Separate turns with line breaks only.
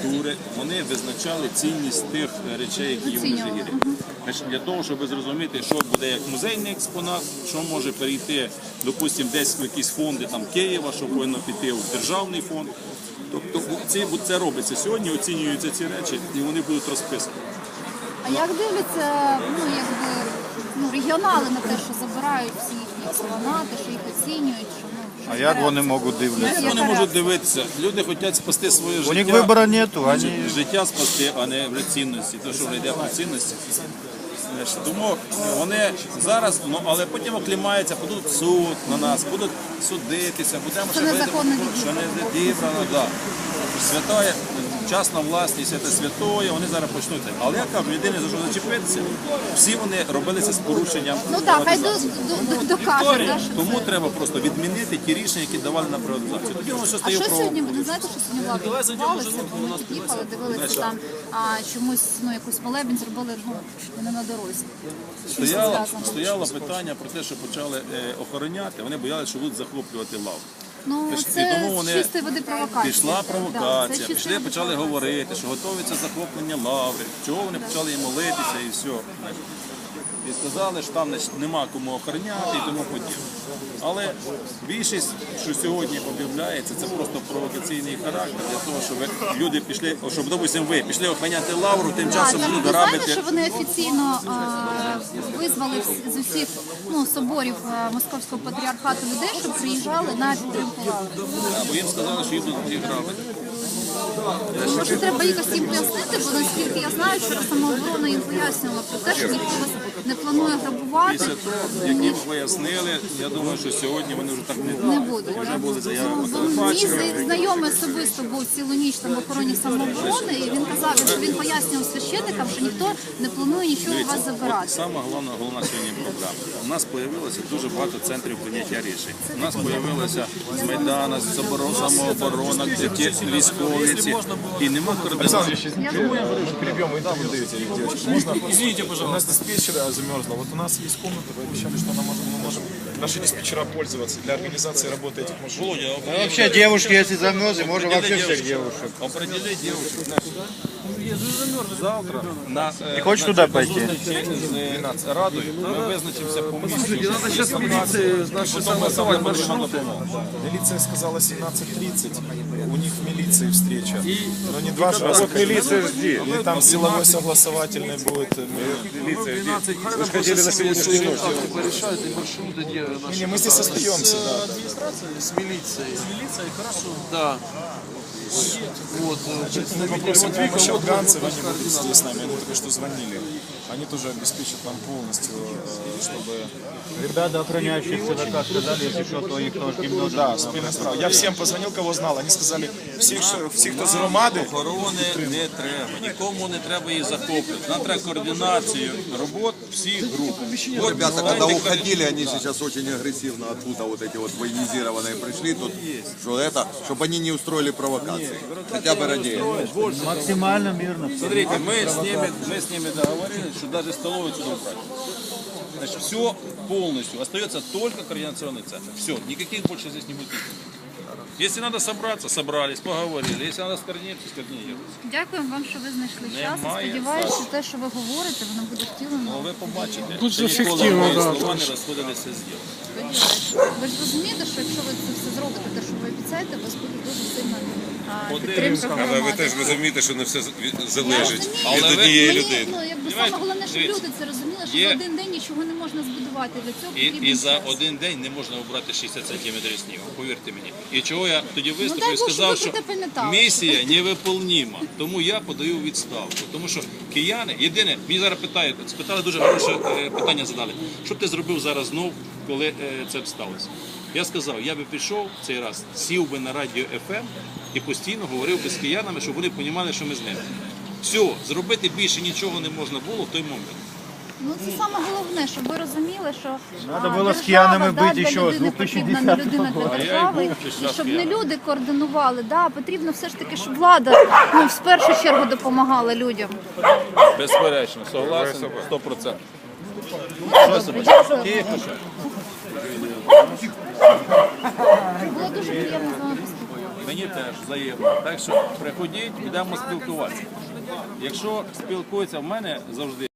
культури, вони визначали цінність тих речей, які є в Межигір'ї. Для того, щоб зрозуміти, що буде як музейний експонат, що може перейти, допустимо, десь в якісь фонди там, Києва, що повинно піти в державний фонд. Тобто це робиться сьогодні, оцінюються ці речі і вони будуть розписані.
А як дивляться регіонали на те, що забирають всі їхні експонати, що їх оцінюють?
А як вони можуть дивитися?
Як вони можуть дивитися? Люди хочуть спасти своє життя.
У них вибору нету.
Життя спасти, а не в цінності. Те, що вже йде про цінності. Тому вони зараз, але потім оклімаються, будуть в суд на нас, будуть судитися, будемо
що незаконно
відібрано. Да. Святая, частна власність, це святоє, вони зараз почнуть. Але я кажу, єдине, за що зачепитися, всі вони робилися з порушенням.
Ну так, хай докажуть.
Тому треба просто відмінити ті рішення, які давали на приватизацію. Тоді воно все стає
правом. А що сьогодні, ви знаєте, що сьогодні влада відбувалося? Вони під'їхали, дивилися там, чомусь якусь молебень зробили не на дорозі.
Стояло питання про те, що почали охороняти, вони боялися, що будуть захоплювати лаву.
Ну, це чистої води провокація.
Пішла провокація, пішли, почали говорити, що готується захоплення лаври, чого вони почали їм молитися і все. І сказали, що там нема кому охороняти і тому подібне. Але більшість, що сьогодні об'являється, це просто провокаційний характер для того, щоб люди пішли, щоб, допустимо, ви пішли охороняти лавру, тим часом будуть грабити.
Знаєте, що вони офіційно визвали з усіх соборів Московського патріархату людей, щоб приїжджали на підтримку лаври?
Бо їм сказали, що їх будуть грабити.
Може, треба якось їм пояснити, бо наскільки я знаю, що самооборона їм пояснювала про те, що ніхто вас не планує грабувати.
Після того, як їм пояснили, я думаю, що сьогодні вони вже так не будуть. Вже були заяви по телебаченню.
Мій знайомий особисто був цілу ніч там в охороні самооборони, і він казав, що він пояснював священникам, що ніхто не планує нічого у вас забирати.
Саме головна сьогодні проблема. У нас з'явилося дуже багато центрів прийняття рішень. У нас з'явилося з Майдана, з самооборона, ті військові, і нема координації.
Перебьем, вы там даете, девочки. Можно? Извините, пожалуйста. У нас диспетчер замерзла. Вот у нас есть комната, вы обещали, что мы можем наши диспетчера пользоваться для организации работы этих машин.
Вообще девушки, если замерзли, можно вообще всех девушек.
Определить девушек. Завтра
Не хочешь туда пойти?
з Радою ми визначимося по місту.
Милиция сказала 17:30. У них в милиции встреча. Но не два раза. Вот милиция жди. Или там силовой согласовательный будет. Милиция жди. Вы же хотели на сегодняшнюю ночь. Не, мы здесь остаемся, да.
С милицией. С милицией, хорошо. Да. Вот.
Мы попросим помощи афганцев, они будут здесь с нами. Они только что звонили. Они тоже обеспечат нам полностью, чтобы...
Ребята, охраняющие ЦВК, сказали, если что, то их тоже немного...
Да, спільна справа. Я всем позвонил, кого знал. Они сказали, всі, хто з громади...
Охорони не треба, нікому не треба її захоплювати. Нам треба координацію робот всіх груп.
Вот, ребята, когда уходили, они сейчас очень агрессивно оттуда вот эти вот военизированные пришли, тут, чтобы они не устроили провокации. Хотя бы ради этого.
Максимально мирно.
Смотрите, мы с ними договорились, что даже столовую сюда убрать. Значит, все полностью. Остается только координационный центр. Все, никаких больше здесь не будет. Если надо собраться, собрались, поговорили. Если надо скоординироваться, скоординировались.
Дякуємо вам, що ви знайшли час. Сподіваюся, що те, що ви говорите, воно буде втілено.
Ну, ви побачите, що ніколи мої слова не розходилися з ділом.
Ви ж розумієте, що якщо ви це все зробите, те, що ви обіцяєте, у вас буде дуже сильна підтримка громади.
Але ви теж розумієте, що не все залежить
Я
від
розумію.
однієї
Мені,
людини.
саме головне, щоб люди це розуміли, що за один день нічого не можна збудувати. Для цього потрібен
І за
час.
один день не можна обрати 60 сантиметрів снігу, повірте мені. І чого я тоді
дай
виступив і
Бог, щоб
сказав,
ви
що
це пам'ятали.
місія невиполнима. Тому я подаю відставку. Тому що кияни, єдине, мені зараз спитали дуже хороше питання задали. Що б ти зробив зараз знов, коли це б сталося? Я сказав, я би пішов цей раз, сів би на радіо FM і постійно говорив би з киянами, щоб вони розуміли, що ми з ними. Все, зробити більше нічого не можна було в той момент.
Ну це саме головне, щоб ви розуміли, що
Надо було з киянами бути ще з
людини потрібна не
2010
людина для
року.
держави,
А я й був
і щоб не люди координували. Да, потрібно все ж таки, щоб влада в першу чергу допомагала людям.
Безперечно, согласен, 100%.
Було дуже приємно з вами поспілкуватися.
мені теж взаємно. Так що приходіть, будемо спілкуватися. Якщо спілкуються в мене завжди.